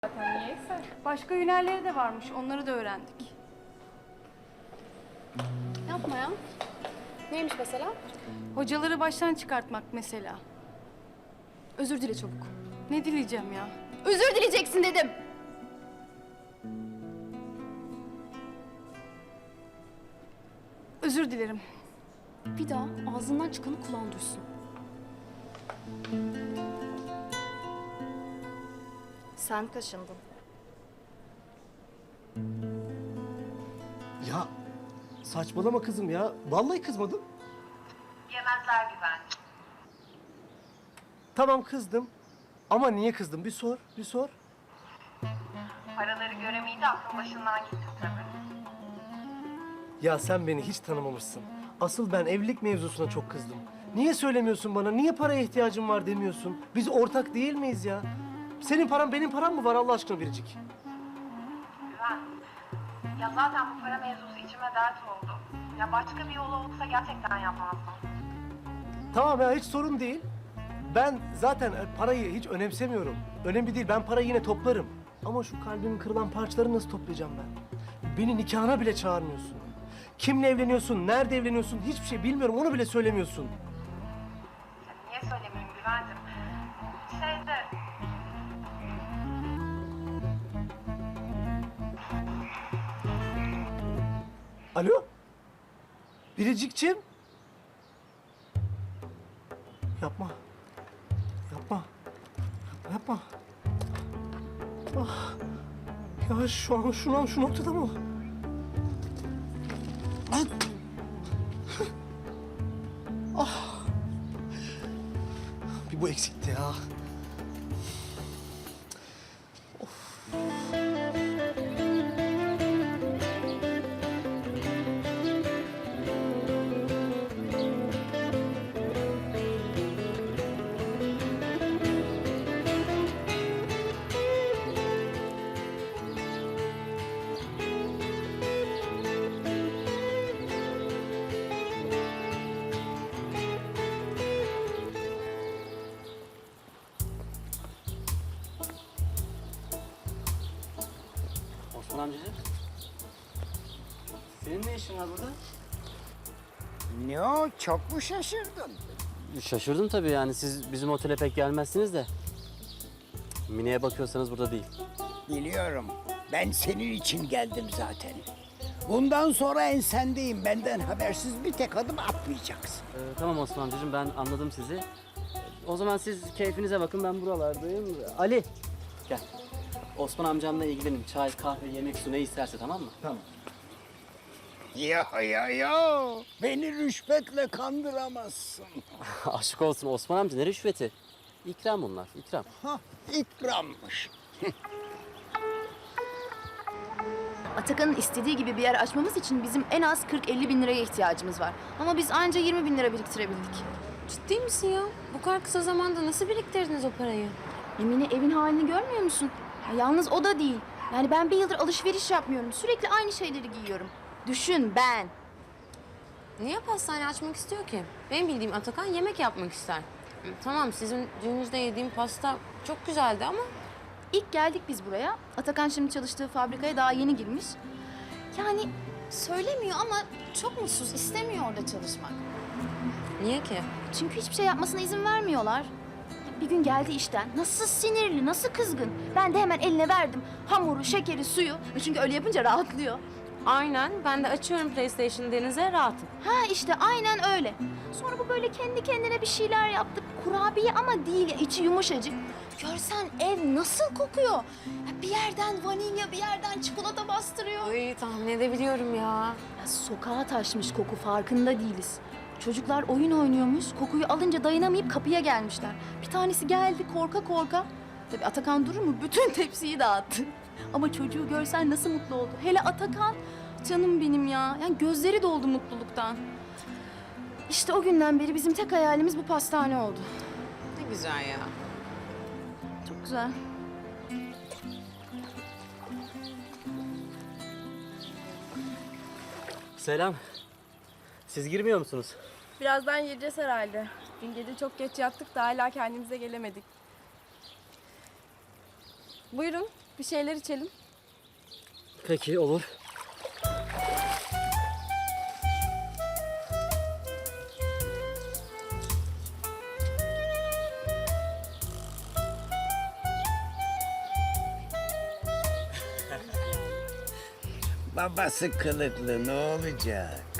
zaten niyeyse. Başka hünerleri de varmış, onları da öğrendik. Yapma ya. Neymiş mesela? Hocaları baştan çıkartmak mesela. Özür dile çabuk. Ne dileyeceğim ya? Özür dileyeceksin dedim. Özür dilerim. Bir daha ağzından çıkanı kulağın duysun. Sen kaşındın. Ya saçmalama kızım ya. Vallahi kızmadım. Yemezler güvenli. Tamam kızdım. Ama niye kızdım? Bir sor, bir sor. Paraları göremeyince aklın başından gitti tabii. Ya sen beni hiç tanımamışsın. Asıl ben evlilik mevzusuna çok kızdım. Niye söylemiyorsun bana? Niye paraya ihtiyacım var demiyorsun? Biz ortak değil miyiz ya? Senin paran benim param mı var Allah aşkına Biricik? Güven. Ya zaten bu para mevzusu içime dert oldu. Ya başka bir yolu olsa gerçekten yapmazdım. Tamam ya hiç sorun değil. Ben zaten parayı hiç önemsemiyorum. Önemli değil ben parayı yine toplarım. Ama şu kalbimin kırılan parçaları nasıl toplayacağım ben? Beni nikahına bile çağırmıyorsun. Kimle evleniyorsun, nerede evleniyorsun hiçbir şey bilmiyorum onu bile söylemiyorsun. Ya niye söylemeyeyim Güven'cim? Şeyde... Alo? Biricikçim? Yapma. Yapma. Yapma. Ah. Ya şu an şu noktada mı? Lan. Ah. Bir bu eksikti ya. Osman amcacığım. Senin ne işin var burada? Ne o? Çok mu şaşırdın? Şaşırdım tabii yani siz bizim otele pek gelmezsiniz de. Mine'ye bakıyorsanız burada değil. Biliyorum. Ben senin için geldim zaten. Bundan sonra ensendeyim. Benden habersiz bir tek adım atmayacaksın. Tamam Osman amcacığım ben anladım sizi. O zaman siz keyfinize bakın ben buralardayım. Ali gel. Osman amcamla ilgilenin. Çay, kahve, yemek, su ne isterse tamam mı? Tamam. Ya. Beni rüşvetle kandıramazsın. Aşk olsun Osman amca ne rüşveti? İkram bunlar, ikram. Hah, ikrammış. Atakan'ın istediği gibi bir yer açmamız için bizim en az 40-50 bin liraya ihtiyacımız var. Ama biz anca 20 bin lira biriktirebildik. Ciddi misin ya? Bu kadar kısa zamanda nasıl biriktirdiniz o parayı? Emine evin halini görmüyor musun? Ya yalnız o da değil. Yani ben bir yıldır alışveriş yapmıyorum. Sürekli aynı şeyleri giyiyorum. Düşün ben. Niye pastane açmak istiyor ki? Benim bildiğim Atakan yemek yapmak ister. Tamam sizin düğününüzde yediğim pasta çok güzeldi ama... İlk geldik biz buraya. Atakan şimdi çalıştığı fabrikaya daha yeni girmiş. Yani söylemiyor ama çok mutsuz. İstemiyor orada çalışmak. Niye ki? Çünkü hiçbir şey yapmasına izin vermiyorlar. Bir gün geldi işten. Nasıl sinirli, nasıl kızgın. Ben de hemen eline verdim. Hamuru, şekeri, suyu. Çünkü öyle yapınca rahatlıyor. Aynen. Ben de açıyorum PlayStation Deniz'e rahatım. Ha işte aynen öyle. Sonra bu böyle kendi kendine bir şeyler yaptı. Kurabiye ama değil, içi yumuşacık. Görsen ev nasıl kokuyor. Ya bir yerden vanilya, bir yerden çikolata bastırıyor. Ay tahmin edebiliyorum ya. Ya sokağa taşmış koku, farkında değiliz. Çocuklar oyun oynuyormuş, kokuyu alınca dayanamayıp kapıya gelmişler. Bir tanesi geldi korka korka. Tabii Atakan durur mu? Bütün tepsiyi dağıttı. Ama çocuğu görsen nasıl mutlu oldu. Hele Atakan, canım benim ya. Yani gözleri doldu mutluluktan. İşte o günden beri bizim tek hayalimiz bu pastane oldu. Ne güzel ya. Çok güzel. Selam. Siz girmiyor musunuz? Birazdan gireceğiz herhalde. Dün gece çok geç yattık da hala kendimize gelemedik. Buyurun. Bir şeyler içelim. Peki olur. Babası kılıklı ne olacak?